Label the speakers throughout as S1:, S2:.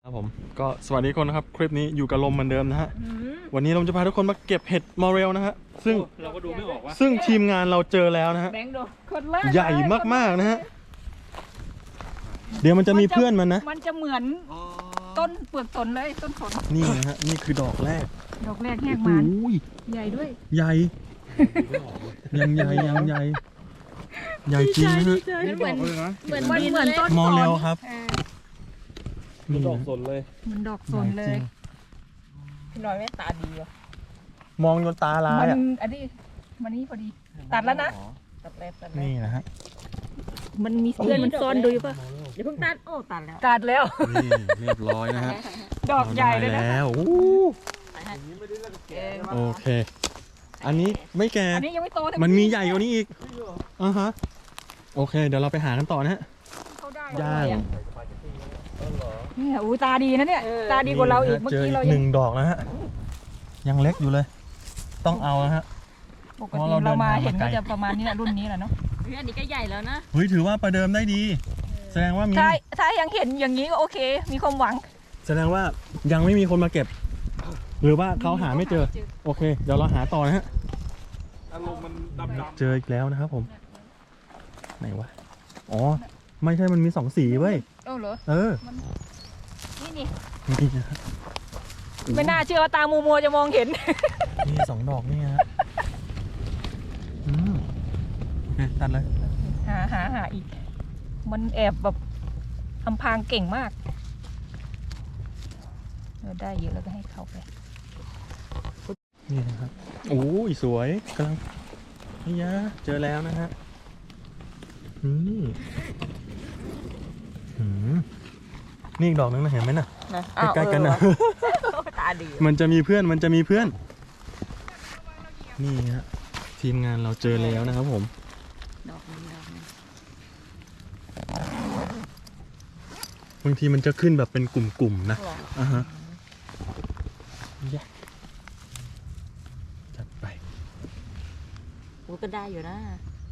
S1: ครับผมก็สวัสดีคนนะครับคลิปนี้อยู่กับลมเหมือนเดิมนะฮะวันนี้เราจะพาทุกคนมาเก็บเห็ดมอเรลนะฮะซึ่ง
S2: เราก็ดูไม่ออกว่า
S1: ซึ่งทีมงานเราเจอแล้วนะฮะใหญ่มากๆนะฮะเดี๋ยวมันจะมีเพื่อนมันนะ
S3: มันจะเหมือนต้นเปลือกสนเลยต้นสน
S1: นี่นะฮะนี่คือดอกแรก
S3: แหกมันใหญ่ด้วย
S1: ใหญ่ยังใหญ่ใหญ่จริงนะฮะ
S3: เหมือนต้น
S1: มอเรลครับ
S2: มันดอกสนเลย
S3: มันดอกสนเลยพี่น้อยแม่ตาดีอ่ะ
S1: มองจนตาลายอ่ะ
S3: อันนี้มันนี่พอดีตัดแล้วนะตัดแล้ว
S1: นี่นะฮะ
S3: มันมีเพื่อนมันซ่อนดูอยู่ป่ะเดี๋ยวเพิ่งตัดโอ้ตัดแล้ว
S1: นี่เรียบร้อยนะฮะ
S3: ดอกใหญ่เลยนะ
S1: แล้วโอเคอันนี้ไม่แก่
S3: อันนี้ยังไม่โต
S1: มันมีใหญ่กว่านี้อีกฮะโอเคเดี๋ยวเราไปหากันต่อนะฮะย่าง
S3: เนี่ยตาดีนะเนี่ยตาดีกว่าเราอีกเมื่อกี้เรา
S1: หนึ่งดอกนะฮะยังเล็กอยู่เลยต้องเอานะฮะ
S3: ปกติเรามาเห็นก็จะประมาณนี้แหละรุ่นนี้แหละเนาะอันนี้ก็ใหญ่แล้วนะ
S1: เฮ้ยถือว่าประเดิมได้ดีแสดงว่ามี
S3: ถ้ายังเห็นอย่างนี้ก็โอเคมีความหวัง
S1: แสดงว่ายังไม่มีคนมาเก็บหรือว่าเขาหาไม่เจอโอเคเดี๋ยวเราหาต่อนะฮะ
S2: อารมณ์มันดำ
S1: เจออีกแล้วนะครับผมไหนวะอ๋อไม่ใช่มันมีสองสีเว้ย
S3: เหรอนี่
S1: นะครับ
S3: ไม่น่าเชื่อว่าตามัวจะมองเห็น
S1: นี่สองดอกนี่ฮะตัดเลย
S3: หาอีกมันแอบแบบอำพรางเก่งมากได้เยอะแล้วก็ให้เขาไป
S1: นี่นะครับโอ้ยสวยกำลังนี่ยะเจอแล้วนะฮะนี่นี่อีกดอกนึงนะเห็นไหมน่ะใกล้ๆกันนะ
S3: ตาดี
S1: มันจะมีเพื่อนนี่ฮะทีมงานเราเจอแล้วนะครับผมบางทีมันจะขึ้นแบบเป็นกลุ่มๆนะฮะจัดไป
S3: ก็ได้อยู่นะ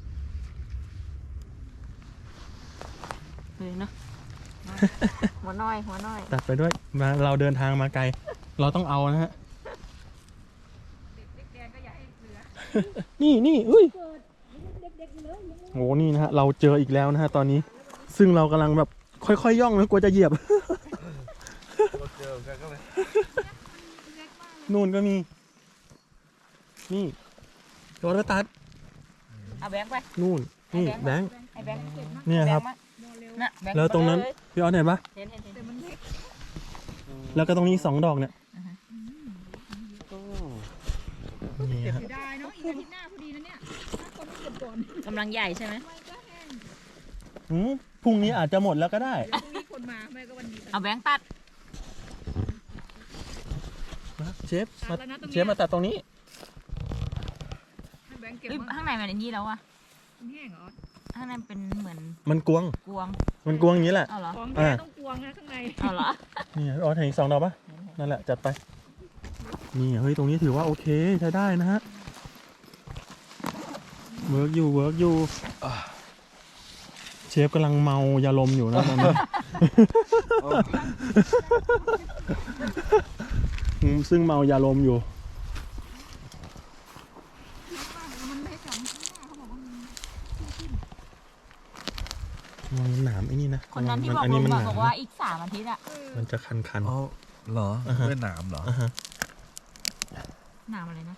S3: เลยเนาะหัวน้อย
S1: ตัดไปด้วยมาเราเดินทางมาไกลเราต้องเอานะฮะนี่อุ้ยโหนี่นะฮะเราเจออีกแล้วนะฮะตอนนี้ซึ่งเรากำลังแบบค่อยๆย่องนะกลัวจะเหยียบนู่นก็มีนี่รถตัด
S3: เอาแบงค์ไป
S1: นู่นนี่แบงค์เนี่ยครับแล้วตรงนั้นพี่ออสเห็นปะแล้วก็ตรงนี้2 ดอกเนี่ยนี่ฮะ
S3: กำลังใหญ่ใช่ไหม
S1: พรุ่งนี้อาจจะหมดแล้วก็ได้
S3: เอาแบงค์ตัด
S1: เชฟมาตัดตรงนี้
S3: ข้างในมันนี่แล้วอะข้างในเป็นเหมือน
S1: มันกวงอย่างนี้แหละ
S3: ของแท้ต้องกวงนะข้างในเหรอ
S1: นี่อ๋อเห็นอีก2 ดอกปะนั่นแหละจัดไปนี่เฮ้ยตรงนี้ถือว่าโอเคใช้ได้นะฮะเวิร์กอยู่เชฟกำลังเมายาลมอยู่นะตอนนี้ซึ่งเมายาลมอยู่มันหนามไอ้นี่นะ
S3: คนนั้นที่บอกว่าอีก3 อาทิตย์อ่ะ
S1: มันจะคัน
S2: อ๋อเหรอเป็นหนามเหรอ
S3: หนามอะไรนะ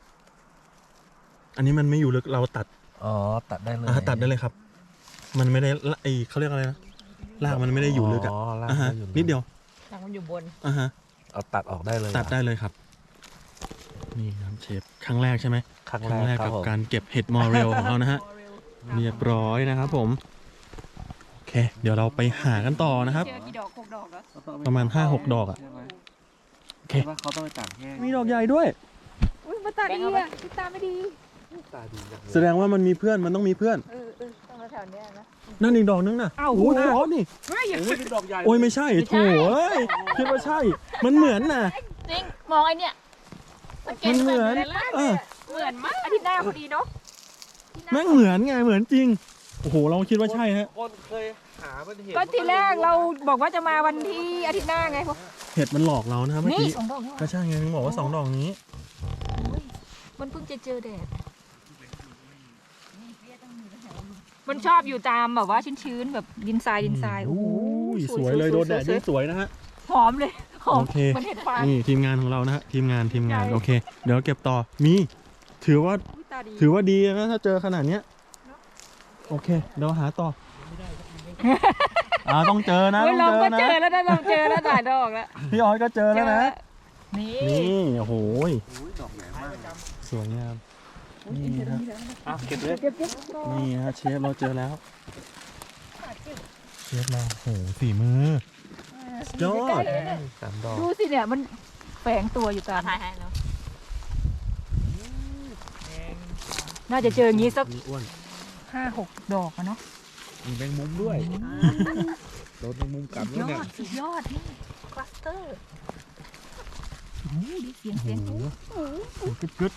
S1: อันนี้มันไม่อยู่ลึกเราตัด
S2: ตัดได้เลย
S1: ตัดได้เลยครับมันไม่ได้เขาเรียกอะไรนะรากมันไม่ได้อยู่ลึกอ่ะนิดเดียว
S3: รากมันอยู่บน
S2: เอาตัดออกได้เลย
S1: ตัดได้เลยครับนี่ครับเชฟครั้งแรกใช่ไหม
S2: ครั้งแรก
S1: กับการเก็บเห็ดมอเรลของเรานะฮะเรียบร้อยนะครับผมโอเคเดี๋ยวเราไปหากันต่อนะครับประมาณ 5-6 ดอกอ่ะโอเค
S2: เขาต้องไปตัดแห้ง
S1: มีดอกใหญ่ด้วย
S3: มาตาดีอ่ะตาไม่ดี
S1: แสดงว่ามันมีเพื่อนมันต้องมีเพื่อน
S3: ต้องแถวนี้นะ
S1: นั่นอีกดอกนึงนะ
S3: โอ้
S1: โหนี่
S2: เป็นดอกใหญ่
S1: โอ้ยไม่ใช่โถ่คิดว่าใช่มันเหมือนนะ
S3: จริงมองไอเนี่ย
S1: มันเหมือน
S3: มากอาทิตย์หน้าพอดีเนาะ
S1: แม่งเหมือนไงเหมือนจริงโอ้โหเราคิดว่าใช่ฮะ
S2: คนเคยหามันเห็น
S3: ก็ทีแรกเราบอกว่าจะมาวันที่อาทิตย์หน้าไงพวก
S1: เห็ดมันหลอกเรานะครับเมื่อ
S3: นี่
S1: กี้
S3: 2 ดอกนี่
S1: ก็ใช่ไงมึงบอกว่า2 ดอกนี้
S3: มันเพิ่งจะเจอแดดมันชอบอยู่ตามแบบว่าชื้นๆแบบดินทรายโอ้โห
S1: สวยเลยโดนแดดยิ่งสวยนะฮะ
S3: หอมเลยหอม
S1: โอเค
S3: มันเห็ดฟาง
S1: นี่ทีมงานของเรานะฮะทีมงาน
S3: ใช่
S1: โอเค เดี๋ยวเก็บต่อมีถือว่า
S3: อุ๊ยตาดี
S1: ถือว่าดีนะถ้าเจอขนาดเนี้ยโอเคเดี๋ยวหาต่อต้องเจอนะ
S3: เฮ้ย
S1: ต้
S3: เรา
S1: อง
S3: ก็
S1: เจ
S3: เจ
S1: อ
S3: อ
S1: นะ
S3: แล้วนะเราเจอแล้วหลายดอกแล้ว
S1: พี่ออยก็เจอแล้วนะ
S3: นี่
S1: นี่โอ้โห
S2: อุ้ยดอกใหญ่มาก
S1: สวยงามนี่ฮะ
S2: อ่ะเก็บเลย
S3: เก็บ
S1: นี่ฮะเชฟเราเจอแล้วเชฟเราโอ้โหฝีมือ ยอด
S2: 3 ดอก
S3: ดูสิเนี่ยมันแฝงตัวอยู่ตามน่าจะเจออย่างนี้สัก
S1: นี่อ้วน
S3: 5-6 ดอกอะเนาะ
S2: มีแมงมุมด้วยโดนแมงมุมกัด
S3: สุ
S2: ด้วย
S3: ด
S2: เนี่ย
S3: สุดยอดนี่คลัสเตอร์โอ้โหดีเสียง
S1: โอ้โห
S3: โอ้โห
S1: กึดกึด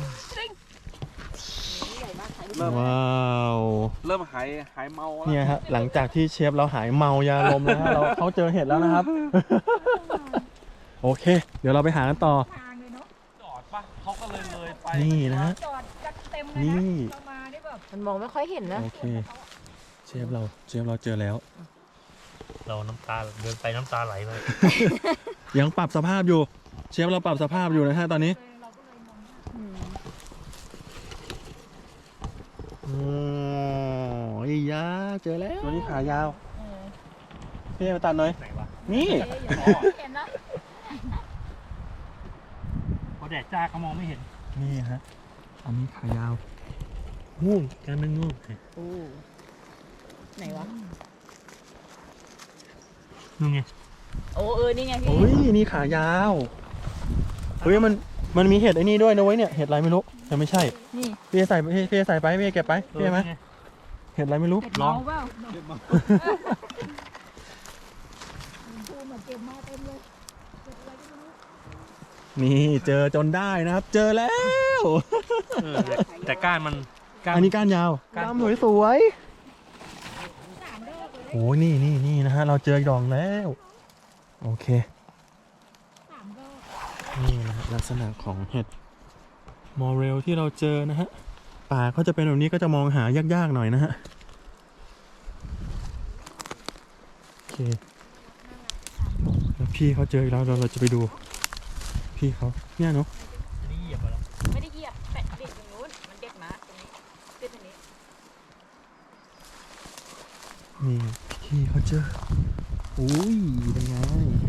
S1: ว้าว
S2: เริ่มหายเมาแล้ว
S1: เนี่ยฮะหลังจากที่เชฟเราหายเมายาลมแล้วฮะเขาเจอเห็ดแล้วนะครับ โอเค เดี๋ยวเราไปหากันต่อ
S3: ทางเลยเนาะ
S2: จอดปะเขาก็เลยไป
S1: นี่นะฮะ
S3: จอดกันเต็มเลย
S1: นี่
S3: นะเรามาได้แบบ
S4: มันมองไม่ค่อยเห็นนะ
S1: โอเคเชฟเราเจอแล้ว
S5: เราน้ำตาเดินไปน้ำตาไหลเลย
S1: ยังปรับสภาพอยู่ เชฟเราปรับสภาพอยู่นะฮะตอนนี้โอ้ยยาเจอแล้วตัวนี้ขายาวพี่มาตัดหน่อย
S5: ไหนวะ
S1: นี่
S3: เห็นแล้ว
S5: พอแดดจ้าเขามองไม่เห็น
S1: นี่ฮะอันนี้ขายาวงูการเป็นงู
S4: ไหนวะ
S5: นู่นไง
S4: โอ้นี่ไงพี่
S1: โอ้ยนี่ขายาวเฮ้ยมันมีเห็ดไอ้นี่ด้วยนะเว้ยเนี่ยเห็ดอะไรไม่รู้แต่ไม่ใช่
S3: นี่
S1: พี่ใส่ไปพี่เก็บไปพี่ไหม
S5: นี่ไง
S1: เห็ดอะไรไม่รู้
S3: เห็ดเมาเปล่าปูเหมือนเก็บมาเต็มเลยเก็บอะไรก็ไม่รู้
S1: นี่เจอจนได้นะครับ เจอแล้ว
S5: เออแต่ก้านมันก้าน
S1: อันนี้ก้านยาว
S5: ก้าน
S1: ดำสวยโอ้ยนี่นะฮะเราเจออีกดอกแล้วโอเคนี่นะฮะลักษณะของเห็ดมอเรลที่เราเจอนะฮะป่าเขาจะเป็นแบบนี้ก็จะมองหายากๆหน่อยนะฮะโอเคแล้วพี่เขาเจออีกแล้วเราจะไปดูพี่เขาเนี่ยเนาะ
S5: อันนี้เหยียบไปแล้ว
S4: ไม่ได้เหยียบแปะเด็ดอย่างนู้น มันเด็ดมาตรงนี้เด็ดตรงนี้
S1: นี่พี่เขาเจออุ้ยเป็นไง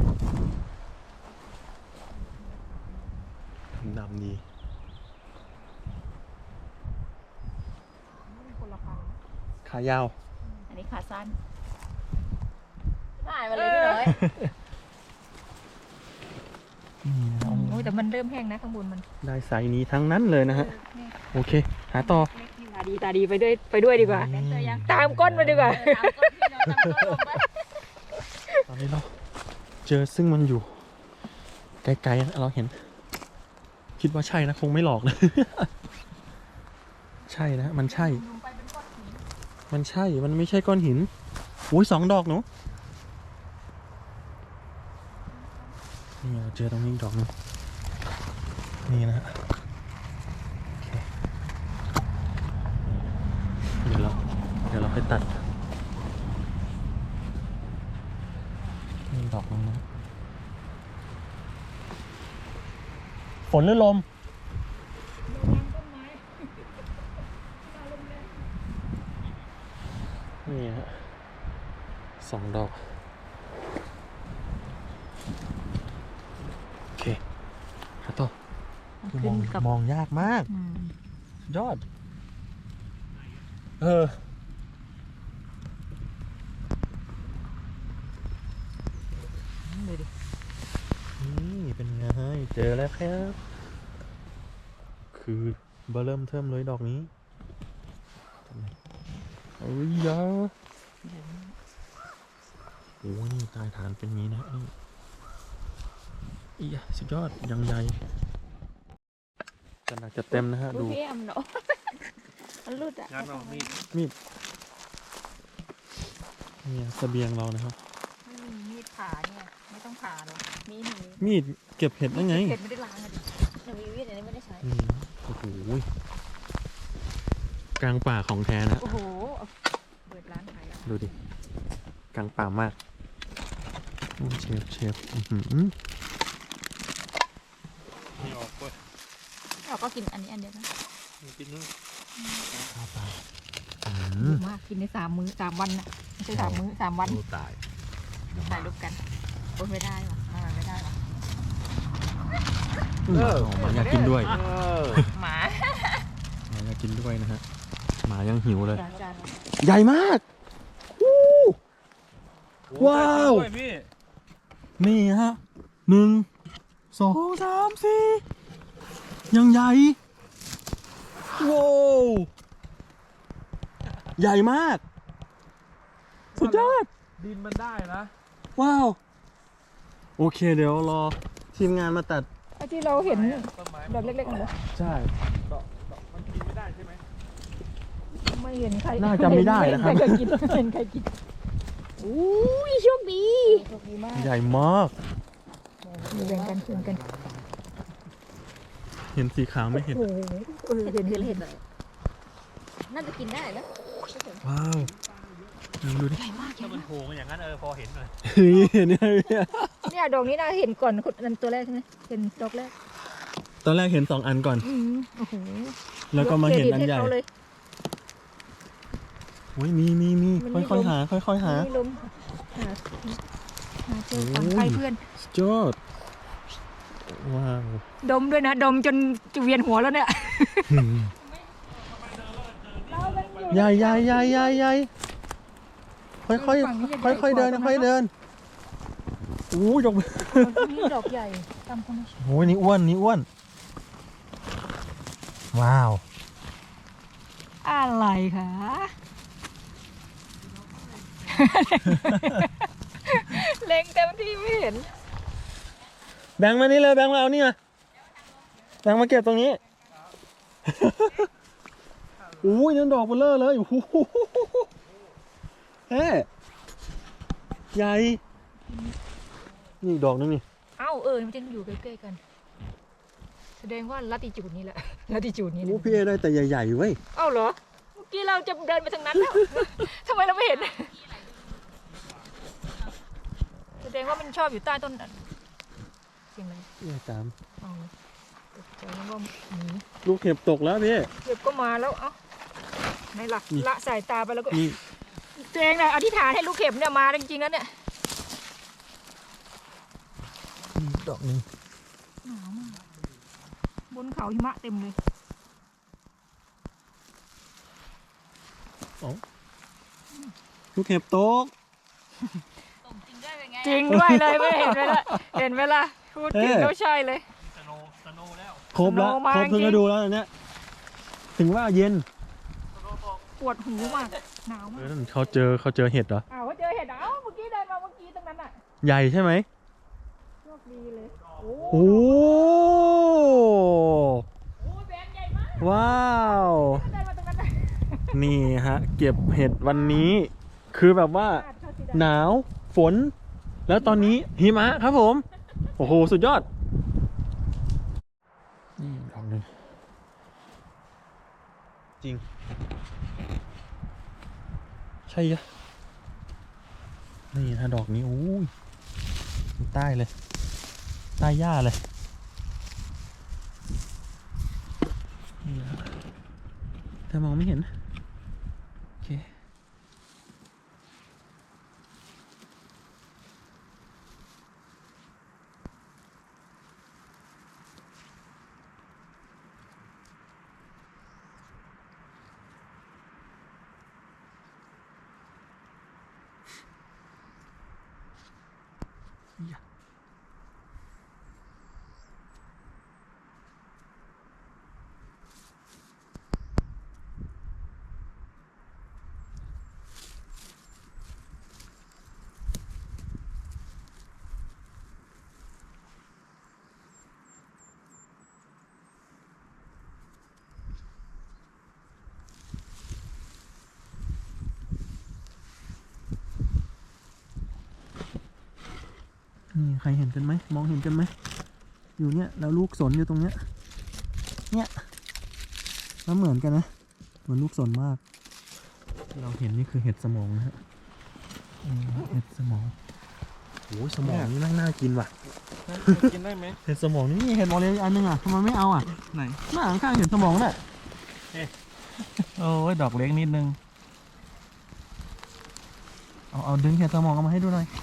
S1: ดำดี
S3: คนละพัน
S1: ขายาว
S4: อันนี้ขาสั้นได้มาเลยพี่น้อย
S1: นี่นะ
S3: โอ้ยแต่มันเริ่มแห้งนะข้างบนมัน
S1: ได้ไซส์นี้ทั้งนั้นเลยนะฮะโอเคหาต่อ
S3: ตาดีไปด้วยดีกว่า
S1: อืม
S3: ตามก้นมาดีกว่า
S4: ตามก้นพี่น้อยตามก้นลงไป
S1: ตอนนี้เราเจอซึ่งมันอยู่ไกลๆนะเราเห็น คิดว่าใช่นะคงไม่หลอกนะ ใช่นะมันใช่ มันใช่มันไม่ใช่ก้อนหินอุ้ย2 ดอกหนูนี่เราเจอตรงนี้อีกดอกหนึงนี่นะฮะโอเคเดี๋ยวเราไปตัดนี่ดอกนึงนะฝนหรือลมนี่ฮะ2 ดอกโอเคหาต่อคือมองยากมาก ยอด นี่เป็นไงเจอแล้วครับ คือเบอร์เริ่มเทิมเลยดอกนี้เอ้ยยาโอ้ยนี่ใตายฐานเป็นงี้นะนี่อียสุดยอดยังใหญ่จะหนักจะเต็มนะฮะ ดู
S4: พี่แอมเนาะมันรุดอ่ะ
S5: งานเอามีด
S1: มีดเนี่ยเสบียงเรานะครับ
S3: ไม่มีมีดผ่าเนี่ยไม่ต้องผ่าหรอกมี
S1: มีดเก็บเห็ดได้ไง
S3: เห็ดไม่ได้ล้างอะดิ
S4: หนูมีวิทย์อันนี้ไม่ได้ใช้
S1: โอ้โหกลางป่าของแท้นะ
S3: โอ้โหเอาเปิดร้านขายอะ
S1: ดูดิกลางป่ามากโอ้เชฟอื้อหือ
S5: ไม่ออกเว้ย
S4: เราก็กินอันนี้อันเดียวนะ
S5: มึงกินนู่น
S3: ดีมากกินใน3 วันน่ะไม่ใช่3 มื้อ3 วัน
S5: โอ้ตาย
S4: ถ่ายรูปกันโอ้ยไม่ได้ว่ะไม่ได้ว่ะ
S1: หมาอยากกินด้วย
S4: หมา
S1: หมาอยากกินด้วยนะฮะหมายังหิวเลย
S4: จาน
S1: ใหญ่มากวู้ว้าว
S5: โอ้ยพี่
S1: นี่ฮะ1 2 3 4ยังใหญ่ว้าวใหญ่มากสุดยอด
S2: ดินมันได้นะ
S1: ว้าว โอเคเดี๋ยวรอทีมงานมาตัด
S3: ไอ้ที่เราเห็น
S2: ต้นไม้
S3: แบบเล็กๆนั่นเหรอ
S1: ใช่
S2: ดอกมันกินไม่ได้ใช่ไหม
S3: ไม่เห็นใคร
S1: น่าจะไม่ได้นะครับ
S3: ไม่เห็นใครกินไม่เห็นใครกิน
S4: อุ้ยโชคดี
S3: โชคดีมาก
S1: ใหญ่มาก
S3: แบ่งกันคืนกัน
S1: เห็นสีขาวไม่เห็น
S3: โอ้โหเห็น
S4: เห็นเลยน่าจะกินได้แล้ว
S1: ว้าวดูดิ
S4: ใหญ่มาก
S5: ถ้ามันโผล่มาอย่างนั้นพอเห็นหน่อย
S1: เห็นไหม
S3: เนี่ยดอกนี้น่าเห็นก่อนคนนั้นตัวแรกใช่ไหมเห็นดอกแรก
S1: ตอนแรกเห็น2 อันก่อน
S3: โอ้โห
S1: แล้วก็มาเห็นอันใหญ่
S3: ยกเครดิตให้เขาเลย
S1: โอ้ยมี
S3: มันมี
S1: ค่อยๆหา ค่อยๆหา
S3: ไม่ล้มหาเจอฝั่งใครเพื่อน
S1: สุดยอดว้าว
S3: ดมด้วยนะ ดมจนจะเวียนหัวแล้วเนี่ย
S1: ใหญ่ค่อยๆเดินค่อยๆเดินโอ้ยยกมือ
S3: นี่ดอกใหญ่ตามคนนี้
S1: โอ้ยนี่อ้วนว้าว
S3: อะไรคะเล็งเต็มที่ไม่เห็น
S1: แบงค์มานี่เลยแบงค์มาเอานี่มาแบงค์มาเก็บตรงนี้โอ้ยนั่นดอกเบลเลอร์เลยโอ้โหเฮ้ใหญ่นี่อีกดอกนึงนี่
S3: เอ้ามันจะอยู่ใกล้ๆกัน แสดงว่าลัติจูดนี้แหละลัติจูดนี้
S1: โอ้พี่เอได้แต่ใหญ่ๆเว้ย
S3: เอ้าเหรอเมื่อกี้เราจะเดินไปทางนั้นแล้ว ทำไมเราไม่เห็น แสดงว่ามันชอบอยู่ใต้ต้นเสียงอะไร
S1: พี่เอตาม
S3: เอาตกใจนึกว่าหนี
S1: ลูกเห็บตกแล้วพี่
S3: เก็บก็มาแล้วเอ้าในหลัก
S1: นี่
S3: ละสายตาไปแล้วก็
S1: นี่
S3: ตัวเองนะอธิษฐานให้ลูกเข็บเนี่ยมาจริงๆแล้วเนี่ย
S1: ดอกนึง
S3: หนาวมากบนเขาหิมะเต็มเลย
S1: ลูกเห็บตก
S4: ตรงจริงด้วยเป็นไง
S3: จริงด้วยเลยไม่เห็นไหมล่ะเห็นไหมล่ะพูดจริงแล้วใช่เลย
S5: สโนแล้ว
S1: ครบแล้ว
S3: สโนว์มา
S1: ครบทุก
S3: จริง
S1: ฤดูแล้วอันเนี้ยถึงว่าเย็น
S3: ปวดหูมากหนาวมาก
S1: เขาเจอเห็ดเหรอ
S3: อ้าวเขาเจอเห็ดเอ้าเมื่อกี้เดินมาเมื่อกี้ตรงนั้นอ่ะ
S1: ใหญ่ใช่ไหม
S3: โชคดีเลย
S1: โอ้
S3: โอ้แบนใหญ่มาก
S1: ว้าว
S3: เดินมาตรงนั้นน่ะ
S1: นี่ฮะ เก็บเห็ดวันนี้ คือแบบว่า หนาวฝน แล้วตอนนี้หิมะครับผม โอ้โห สุดยอด นี่ดอกหนึงจริง ใช่ยะนี่ถ้าดอกนี้อู้ยใต้เลย ใต้หญ้าเลยนี่นะแต่มองไม่เห็น โอเค Yeah. นี่ใครเห็นกันไหมมองเห็นกันไหมอยู่เนี่ยแล้วลูกสนอยู่ตรงเนี้ยเนี่ยแล้วเหมือนกันนะเหมือนลูกสนมากเราเห็นนี่คือเห็ดสมองนะฮะเห็ดสมองโอ้ยสมองนี่น่ากินว่ะ
S2: กินได้ไหม
S1: เห็ดสมองนี่เห็ดมอลเลอันนึงอ่ะทำไมไม่เอาอ่ะ
S2: ไหน
S1: หน้าข้างๆเห็ดสมองน่ะ
S2: โอ้ยดอกเล็กนิดนึง
S1: เอาดึงเห็ดสมองออกมาให้ดูหน่อย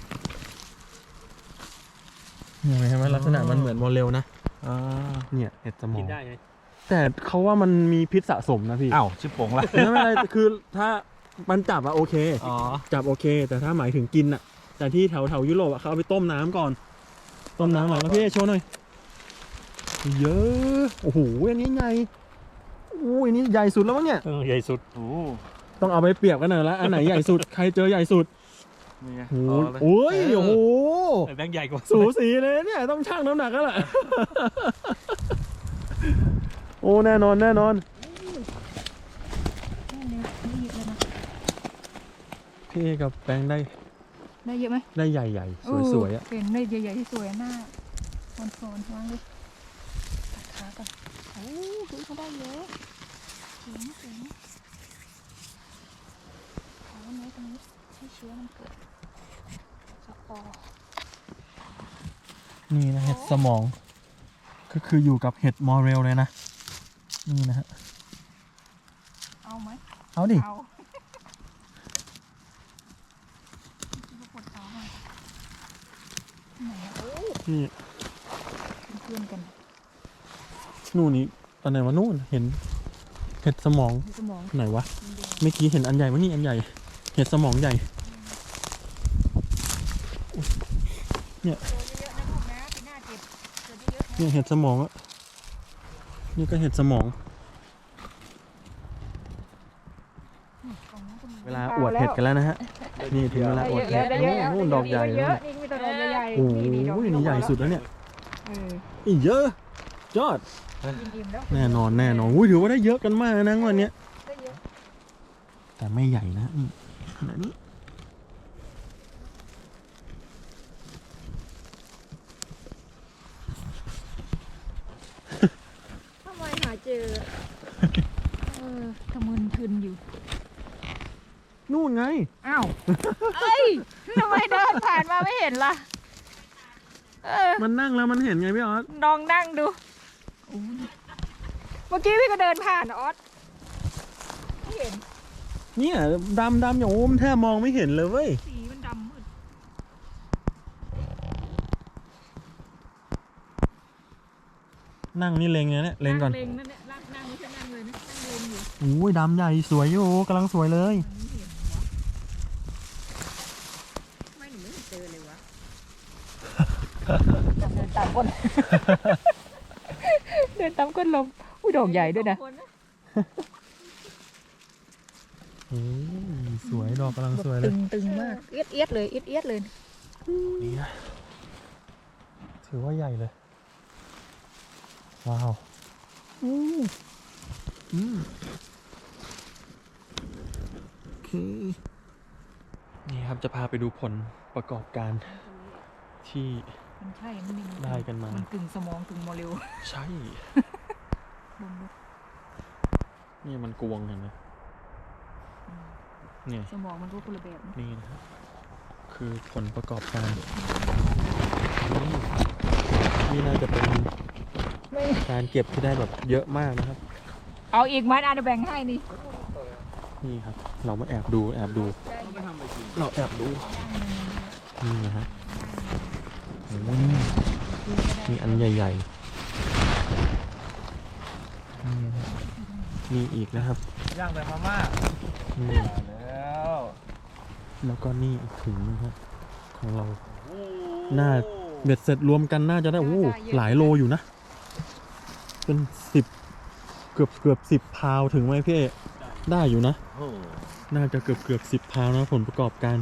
S1: เห็นไหมลักษณะมันเหมือนมอลเลนะเนี่ยเห็ดสมอ
S5: กิ
S1: ง
S5: นได้ไหม
S1: แต่เขาว่ามันมีพิษสะสมนะพี่
S2: อ้าวชิบโป่งละ
S1: ไม่เป็นไรคือถ้ามันจับอะโอเค
S2: อ๋อ
S1: จับโอเค แต่ถ้าหมายถึงกินอะแต่ที่แถวยุโรปอะเขาเอาไปต้มน้ำก่อน ต้มน้ำหน่อยแล้วพี่โชว์หน่อยเยอะโอ้โหอันนี้ใหญ่อู้อันนี้ใหญ่สุดแล้วมั้งเนี่ย
S5: ใหญ่สุด
S2: โอ้
S1: ต้องเอาไปเปรียบกันหน่อยละอันไหนใหญ่สุดใครเจอใหญ่สุด
S2: นี่ไง
S1: โอ้โหโอ้ยโอ้โห
S5: แบงค์ใหญ่กว่า
S1: สูสีเลยเนี่ยต้องชั่งน้ำหนักแล้วแหละ โอ้แน่นอนแน่นอนพี่กับแปงได้
S3: ได้เยอะไหม
S1: ได้ใหญ่ๆสวยๆอ่ะ
S3: เป็นได้ใหญ่ๆที่สวยหน้าโฟนวางดิตัดขาก่อนโอ้คือเขาได้เยอะเจ๋งเอาไว้ตรงนี้ให้เชื้อมันเกิดสปอร์
S1: นี่นะเห็ดสมองก็คืออยู่กับเห็ดมอเรลเลยนะนี่นะฮะ
S3: เอาไหม
S1: เอาดิ
S3: เอาปวดเท้าหน่อยไหนอะโอ้
S1: นี่
S3: เป็นเพื่อนกัน
S1: นู่นนี่ตอนไหนวะนู่นเห็นเห็ดสมอง
S3: มีสมอง
S1: ไหนวะเมื่อกี้เห็นอันใหญ่วะนี่อันใหญ่เห็ดสมองใหญ่
S3: เยอะๆนะลูกนะปีหน้าเก็บเยอะๆนะ
S1: เนี่ยเห็ดสมองอะนี่ก็เห็ดสมอง
S3: ของน้องก็มี
S1: เวลาอวดเห็ดกันแล้วนะฮะนี่ถึงเวลาอวดเห็ด
S3: ได้เยอะ
S1: โอ้โหดอกใหญ่
S3: เย
S1: เลย
S3: อะนี่มีแต่ดอกใหญ่ๆ
S1: โอ้โห
S3: นี่ดอก
S1: นี่ใหญ่สุดแล้วเนี่ย
S3: เออ
S1: อีกเยอะยอด
S3: อิ่มๆแล้ว
S1: แน่นอนอุ้ยถือว่าได้เยอะกันมากนะวันเนี้ย
S3: ได้เยอะ
S1: แต่ไม่ใหญ่นะนี่ขนาดนี้
S3: ทำไมหาเจอทะมึนทึนอยู่
S1: นู่นไง
S3: อ้าวเอ้ยทำไมเดินผ่านมาไม่เห็นล่ะ
S1: มันนั่งแล้วมันเห็นไงพี่ออส
S3: ลองนั่งดูเมื่อกี้พี่ก็เดินผ่านออสไม่เห็น
S1: เนี่ยดำอย่างโอ้มแทบมองไม่เห็นเลยเว้ย
S3: สีมันดำมืด
S1: นั่งนี่เล็งเนี่ยเล็งก่อน
S3: เล็งนั่นแหละนั่งไม่ใช่นั่งเลยนะนั่งเล็งอยู่
S1: โอ้ยดำใหญ่สวยอยู่กำลังสวยเลย
S3: มันไม่เห็นวะไม่หนูไม่เห็นเจอเลยวะเดินตามก้น เดินตามก้นลมอุ้ยดอกใหญ่ด้วยนะ
S1: โอ้ยสวยดอกกำลังสวยเลย
S3: ตึงมากเอียดเลยเอียดเลย
S1: นี่นะถือว่าใหญ่เลยว้าวโอเคนี่ครับจะพาไปดูผลประกอบการที่
S3: มันใช่มันมี
S1: ได้กันมา
S3: นกึ่งสมองกึ่งโมเลกุล
S1: ใช่
S3: บนลูก
S1: นี่มันกวงเห็นไหมเนี่ย
S3: สมองมันก็คนละแบบนะ
S1: นี่นะครับคือผลประกอบการนี่น่าจะเป็น
S3: ไม่
S1: การเก็บที่ได้แบบเยอะมากนะครับ
S3: เอาอีกไหมอาจจะแบ่งให้นี่
S1: นี่ครับ เรามาแอบดูเราแอบดูนี่นะฮะโอ้โหนี่อันใหญ่ๆนี่นะมีอีกนะครับ
S2: ย่างแบบมาม่า
S1: นี่
S2: แล้ว
S1: แล้วก็นี่อีกถุงนึงครับของเราน่าเบ็ดเสร็จรวมกันน่าจะได้โอ้หลายโลอยู่นะเป็น10เกือบ10 พาวถึงไหมพี่เอได้อยู่นะ
S2: โอ้
S1: น่าจะเกือบ10 พาวนะผลประกอบการ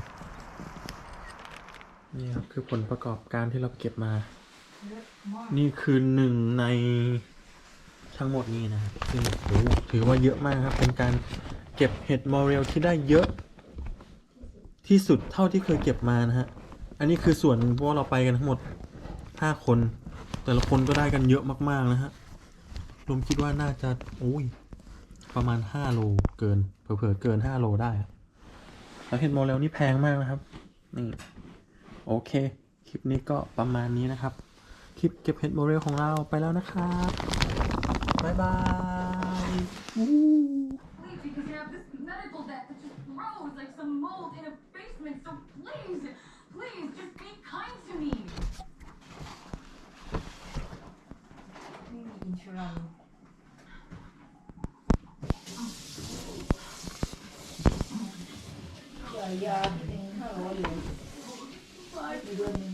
S1: นี่ครับคือผลประกอบการที่เราเก็บมา นี่คือหนึ่งในทั้งหมดนี้นะครับซึ่งโอ้โหถือว่าเยอะมากครับเป็นการเก็บเห็ดมอเรลที่ได้เยอะที่สุดเท่าที่เคยเก็บมานะฮะอันนี้คือส่วนหนึ่งเพราะว่าเราไปกันทั้งหมด5 คน แต่ละคนก็ได้กันเยอะมากๆนะฮะรวมคิดว่าน่าจะประมาณ5 โลเกินเผลอๆเกิน5 โลได้อะแล้วเห็ดโมเลลนี่แพงมากนะครับนี่โอเคคลิปนี้ก็ประมาณนี้นะครับคลิปเก็บเห็ดโมเลลของเราไปแล้วนะครับบ๊ายบาย
S6: Because you have this medical debt that just grows like some mold in a basement. So please, please, just be kind to me.
S4: ไม่มีอินชูรัน
S3: ยาเป็น500 เหรียญเดือนหนึง